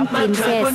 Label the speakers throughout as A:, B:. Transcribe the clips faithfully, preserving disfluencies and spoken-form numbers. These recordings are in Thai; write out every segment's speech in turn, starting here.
A: Golden Princess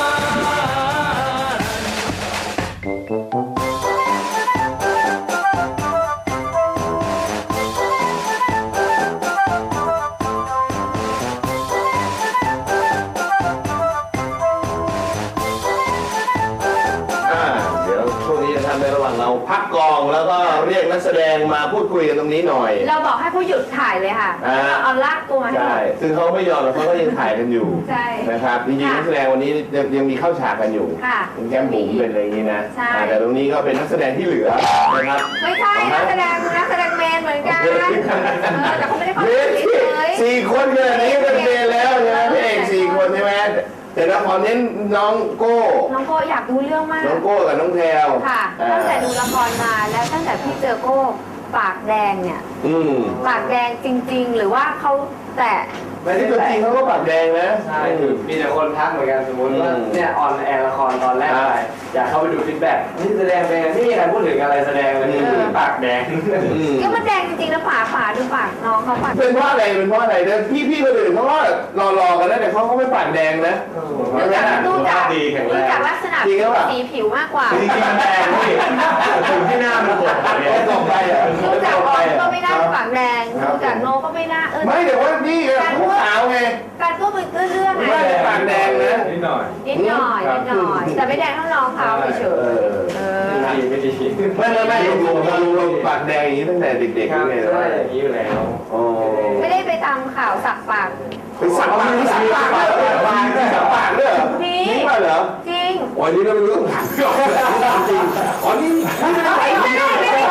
B: ในระหว่างเราพักกองแล้วก็เรียกนักแสดงมาพูดคุยกันตรงนี้หน่อย
C: เราบอกให้ผู้หยุดถ่ายเลยค่ะเอาลากตัวมาให้
B: ใช่ซึ่งเขาไม่ยอมเขาก็ยังถ่ายกันอยู่นะครับจริงๆนักแสดงวันนี้ยังมีเข้าฉากกันอยู่เป็นแก้มบุ๋มเป็นอะไรอย่างนี้นะแต่ตรงนี้ก็เป็นนักแสดงที่เหลือนะครับ
C: ไม่ใช่นักแสดงนักแสดงเมนเหมือนกันแต่เขาไม่ได้เข้าเลย
B: สี่คนขนาดนี้เป็นเมนแล้วใช่ไหมพี่เอกสี่คนใช่ไหมแต่ละครเน้นน้องโก้
C: น้องโก้อยากดูเรื่องมาก
B: น้องโก้กับน้องแพรว
C: ค่ะตั้งแต่ดูละครมาแล้วตั้งแต่พี่เจอโก้ปากแดงเนี่ยปากแดงจริงๆหรือว่าเขาแต่
B: ในที่ตัวจริงเขาก็ปากแดงนะ
D: ใช่มีแต่คนทักเหมือนกันสมมติว่าเนี่ยออนแอร์ละครตอนแรกไปอยากเข้าไปดูฟีดแบ็กนี่แสดงเป็นไม่มีใครพูดถึงอะไรแสดงเลยปากแดง
C: ก็มันแดงจริงๆนะฝาฝาดูปากน้องเขาปาก
B: เป็นเพราะอะไรเป็นเพราะอะไรเนี่ยพี่พี่คนอื่นเขาก็รอๆกันนะแต่เขาเขาไม่ปากแดงนะ
C: ดูจากดูจากดูจากลักษณะสีผิวมากกว่า
D: จริงๆมันแดงพี่ถึงที่หน้ามันกด
B: เนี่ยตกไปอ่ะ
C: ดูจากออนก็ไม่น่าปากแดงดูจากโนก็ไม่น่าเออ
B: ไม่แต่ว่านี่เขาขาวไง
C: การก็เป็นเรื่องไง
B: ไม่ได้ปากแดงนะ
D: นิดหน่อย
C: นิดหน่อยนิดหน่อยแต่ไม่แดงเท่าน้องเขาเฉย
D: ไม่ดีไม่ดี
B: ไม่ไม่ไม่ดูดูดูปากแดงอย่างนี้ตั้งแต่เด็กๆ
D: เลยใช่อย่างนี้อยู่แล้ว
C: ไม่ได้ไปตามข่าวสักปาก
B: ไปสักปากสักปากสักปากด้วยเหรอ
C: นี่
B: มาเหรอ
C: จริง
B: อ๋อนี่เราไม่รู้ถามจริงอ๋อนี่ไม่ได้ไม่ได้ไม่ได้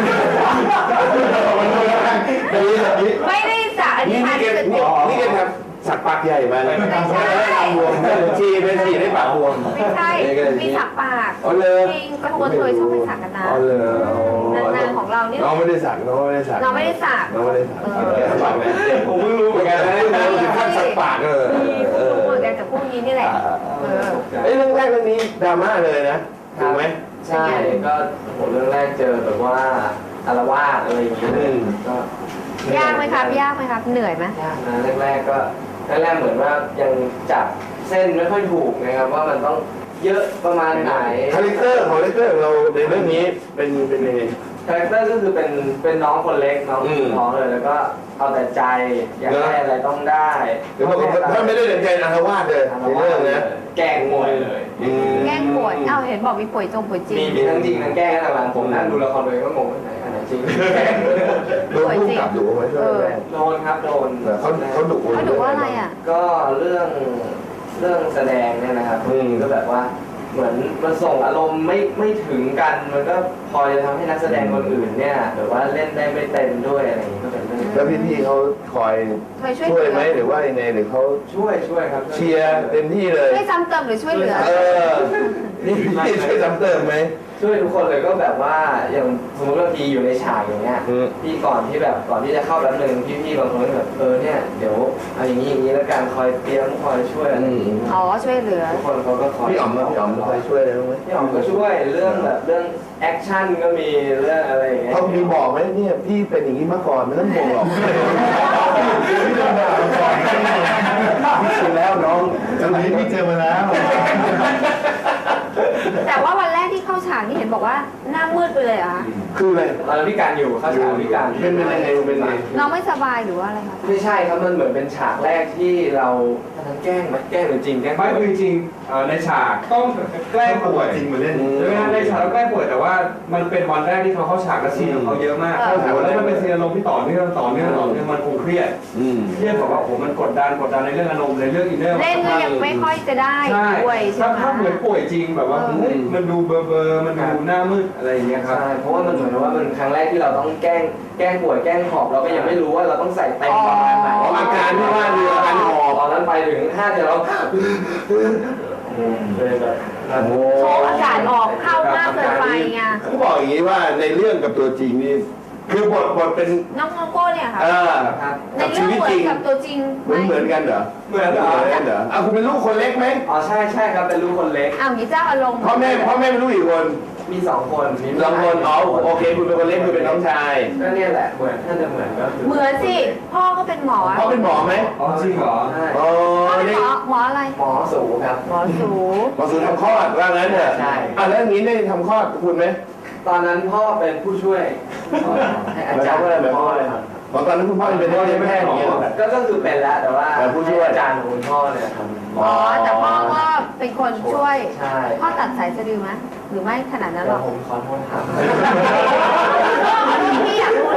C: ไม่ได้สักอันนี้
B: นี่เกมนี่เกมครับสักปากใหญ่มาเลยไม่ใช่บวมชีเป็นชีได้ปากบวม
C: ไม่ใช่มีสักปากจริงกระทงเคยชอบไปสักกันนะนานๆของเราเนี่ย
B: น้องไม่ได้สักน้องไม่ได้สัก
C: น้องไม่ได้สัก
B: น้องไม่ได้สักผมเพิ่งรู้เหมือนกันนะถึงขั้นสักปากเลย
C: เออเหมือนกันกับพวกนี้นี่แหละ
B: เอ้ยเรื่องแรกเรื่องนี้ดราม่าเลยนะถูกไหม
D: ใช่ก็ผมเรื่องแรกเจอแบบว่าอารวาสอะไรอย่างเงี้ยก็
C: ยากไหมครับยากไหมครับเหนื่อยไหม
D: ยากนะแรกๆก็แรกๆเหมือนว่ายังจับเส้นไม่ค่อยถูกนะครับว่ามันต้องเยอะประมาณไหน
B: คาแรคเตอร์ของคาแรคเตอร์ของเราในเรื่องนี้เป็นเป็นยังไง
D: คาแรคเตอร์ก็คือเป็นเป็นน้องคนเล็กน้องน้องเลยแล้วก็เอาแต่ใจอยากได้อะไรต้องได้
B: ถ้าไม่ได้ใจอารวาสเลยในเรื่องนะ
D: แกล้งป่วยเลย
C: แกล้งป่วยเอ้าเห็นบอกมีป่วยจงป่วยจริง
D: มีมีทั้งจริงทั้งแกล้งหลังผมนั่งดูละครเลยก็งงว่าไหนอันไหนจริง
B: โดนผู้กำกับดุไหม
D: โดนครับโดน
B: เขาเขาดุ
C: เขาดุว่าอะไรอ่ะ
D: ก็เรื่องเรื่องแสดงเนี่ยนะครับก็แบบว่าเหมือนมันส่งอารมณ์ไม่ไม่ถึงกันมันก็พอจะทำให้นักแสดงคนอื่นเนี่ยหรือว่าเล่นได้ไม่เต็มด้วยอะไรอย่างนี้ก็เป็นเรื่อง
B: แล้วพี่ๆเขาคอยช่วยไหมหรือว่ายังไงหรือเขา
D: ช่วยช่วยครับ
B: เชียร์เต็มที่เลย
C: ช่วยซ้ำเติมหรือช่วยเหลือ
B: เออนี่พี่ช่วยซ้ำเติมไหม
D: ช่วยทุกคนเลยก็แบบว่าอย่างสมมติว่าพี่อยู่ในฉากอย่างเงี้ยพี่ก่อนที่แบบก่อนที่จะเข้าแป๊บนึงพี่ๆบางคนก็แบบเออเนี่ยเดี๋ยวเอาอย่างนี้อย่างนี้แล้วการคอยเตรียมคอยช่วยอะไรอย่างนี้
C: อ๋อช่วยเหลือ
D: ทุกคนเขาก็คอย
B: พี่อ๋อมพี่อ๋อมคอยช่วยอะไรบ้างไหม
D: พี่อ๋อมก็ช่วยเรื่องแบบเรื่องแอคชั่นก็มีเรื่องอะไรอย่างเงี้ย
B: เขามีบอกไหมเนี่ยพี่เป็นอย่างนี้มาก่อนไม่ต้องห่วงหรอกพี่โดนด่ามาก่อนพี่ชินแล้วน้องจังหวะนี้พี่เจอมาแล้ว
C: แต่ว่าวันแรกที่เข้าฉากนี่เห็นบอกว่าหน้ามืดไปเลยอ่ะ
B: คืออะไร
D: ตอนพิการอยู่เข้าฉากพิการ
B: เป็นเป็นยังไงเป็นยังไง
C: น้องไม่สบายหรือว่าอะไรครับ
D: ไม่ใช่ครับมันเหมือนเป็นฉากแรกที่เราทั้งแกล้งไหมแกล้งหรือจริงแกล้ง
E: ไม่คือจริงในฉากต้องแกล้งป่วย
B: จริงมาเล่น
E: ใช่ไหมในฉากเราแกล้งป่วยแต่ว่ามันเป็นวันแรกที่เขาเข้าฉากและซีนของเขาเยอะมากแล้วมันเป็นซีนอารมณ์ที่ต่อเนื่องต่อเนื่องต่อเนื่องมันคงเครียดเครียดแบบว่าโอ้มันกดดันกดดันในเรื่องอารมณ์ในเรื่องอินเนอร์
C: เล่นก็ยังไม่ค่อยจะได้ป่วยใช่ไหม
E: ถ้าเหมือนป่วยจริงแบบว่ามันดูเบอร์เบอร์มันดูหน้ามืดอะไรอย่างเงี้ยครับ
D: ใช่เพราะว่ามันเหมือนว่ามันครั้งแรกที่เราต้องแกล้งแกล้งป่วยแกล้งหอบเราก็ยังไม่รู้ว่าเราต้องใส่เต็มประมาณไหน
B: อาการที่ว่าคืออาการหอบ
D: ตอนนั้นไปถึงห้าเดี๋ยวเราเลยแบบ
C: โชว์อากาศออกเข้ามากเกินไปไง
B: เขาบอกอย่างนี้ว่าในเรื่องกับตัวจริงนี่คือบทบทเป็น
C: น้องโก้เนี่ยค่ะ
B: ในชีวิตจริง
C: กับตัวจริง
B: เหมือนเหมือนกันเหรอ
D: เหมือนเหรอ
B: เหรออ่ะคุณเป็นลูกคนเล็กไหม
D: อ๋อใช่ใช่ครับเป็นลูกคนเล็ก
C: อ้าวงี้เจ้าอารมณ์
B: พ่อแม่พ่อแม่เป็นลูกอีกคน
D: มีสองคนมี
B: สองคนอ๋อโอเคคุณเป็นคนเล็กคุณเป็นน้องชาย
D: ก็เนี่ยแหละเหมือนถ้าจะเหมือนก็คือ
C: เหมือนสิ พ่อก็เป็นหมอ
B: เขาเป็นหมอไหม
E: อ๋อจริงเหรอ
D: ใช่
B: อ๋อ
C: พ่อเป็น
B: นี่
C: หมอหมออะไร
D: หมอสูครับ
C: หมอสู
B: หมอสูทำคลอดว่างั้นเถอะ
D: ใช่
B: อ่ะแล้วอย่างนี้ได้ทำคลอดคุณไหม
D: ตอนนั้นพ่อเป็นผู้ช่วยให้อาจารย์
B: หมายความว่าอะไรหมายความว่าอะไร
D: ครับ
B: ตอนนั้นคุณพ่อเป็นพ่อเป็นแพทย์อย่างเงี้ยเหรอ
D: ก็ก็คือเป็นแล้วแต่ว่า
B: แต่ผู้ช่วย
D: ให้อาจารย์ของคุณพ่อเนี่ยทำ
C: อ๋อ แต่พ่อก็เป็นคนช่วย
D: ใช่
C: พ่อตัดสายสะดือไหมหรือไม่ขนาดนั้นหร
D: เดี๋ย
C: อ
D: ว
C: ก
D: ผมขอโทษครับ
C: พี่อยากรู้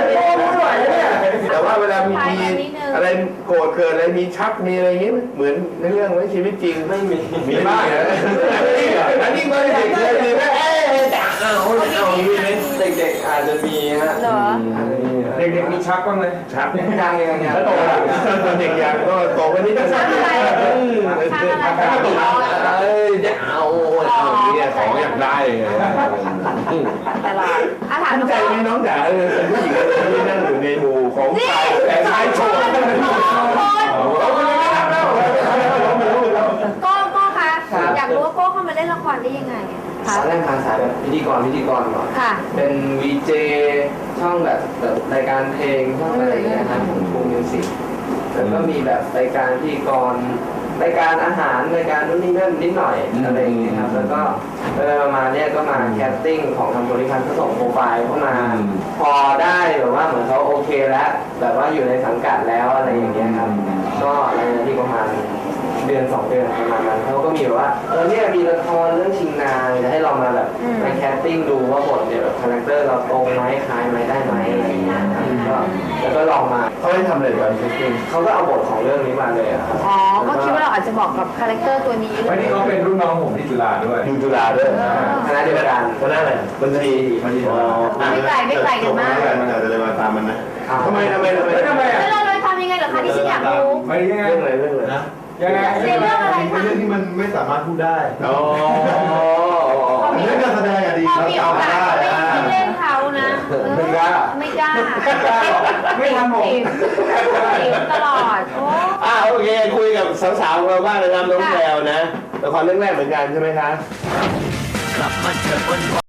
B: แต่ว่าเวลามี
C: ไปกันนิดนึง
B: อะไรโกรธเกิดอะไรมีชักมีอะไรอย่างงี้ไหมเหมือนในเรื่องไหมชีวิตจริง
D: ไม่มี
B: มีบ้างเหรออันนี้มันเด็กเลยมีไหมเอ๊ะจ๋าเอาเอาอย่างนี้ไหม
D: เด็กๆอาจจะมีฮะ
C: เหรอ
E: เด็กๆมีชักบ้างไหม
B: ชัก
D: ยังยังยังยัง
B: แล้วโตแล้วเด็กอย่างก็โตกันนิดนึง
C: ชักอะไร
B: อืม
C: ชักอะไร
B: ชักกระตุกเอ้ยจะเอาเอาอย่างนี้ของอยากได้ไง
C: ตลอดอาถาม
B: ตั้ง
C: น้อง
B: ใจไหมน้องจ๋าเออเป็นผู้หญิงที่นั่งอยู่ในหมู่ของชายแต่ชายโฉดเราไม่ได้ทำแล้ว
C: โก้โก้คะอยากรู้ว่าโก้เข้ามาเล่นละครได้ยังไงคะ
D: ตอนแรกทางสายแบบพิธีกรพิธีกรก่อน
C: ค่ะ
D: เป็นวีเจช่องแบบแบบรายการเพลงช่องอะไรอย่างเงี้ยครับของทูมิวสิกแล้วก็มีแบบรายการพิธีกรรายการอาหารรายการนู่นนี่นั่นนิดหน่อยอะไรอย่างเงี้ยครับแล้วก็เออมาเนี่ยก็มาแคสติ้งของทางบริษัทก็ส่งโปรไฟล์เข้ามา พอได้แบบว่าเหมือนเขาโอเคแล้วแบบว่าอยู่ในสังกัดแล้วอะไรอย่างเงี้ยครับก็ในที่ประมาณเดือนสองเดือนประมาณนั้นเขาก็มีแบบว่าเออเนี่ยมีละครเรื่องชิงนางจะให้เรามาแบบมาแคสติ้งดูว่าบทเนี่ยแบบคาแรคเตอร์เราตรงไหมคล้ายไหมได้ไหมอะไรอย่างเงี้ยครับก็แล้วก็ลองมา
B: เขาให้ทำอะไรกันจริง
D: เขาก็เอาบทของเรื่องนี้มาเลยอะครับ
C: อ๋อ ก็คิดว่าเราอาจจะบอกกับคาแรคเตอร์ตัวนี้เล
E: วัน
C: ย
E: นี้เขาเป็นรุ่นน้องผมที่จุฬาด้วย
B: อยู่จุฬาด้วย
D: คณะเดียวกัน
B: คณะอะไรบัญชีบัญชีอ๋อ
C: ไม่ไกลไม่ไกลกันมาก
B: มันอาจจะเลยมาตามมันนะทำไมทำไมทำไม
E: ทำไมอ่ะ
C: แล้วเราเลยทำยังไงเหรอคะที่ฉันอยากรู้
E: ไม่ยังไง
B: เรื่องอะไรเรื่องอะไรนะ
E: ยังไง
C: เรื่องอะไรคะ
A: เรื่องที่มันไม่สามารถพูดได้
B: อ๋อ
A: เรื่องการแสดงอะดี
C: พอ
A: เรา
C: มีโอ
A: จำ
C: กา
A: ได้
C: สก็ไม่ไม่เล่นเขานะเออ
B: ไม่กล้า
C: ไม่กล้า
E: ไม่ทำผม
C: ติดตลอด โอ้
B: อ่าโอเคคุยกับสาวๆของเราบ้างนะครับน้องแพรวนะละครเรื่องแรกเหมือนกันใช่ไหมคะ
F: กลับมาเจอบน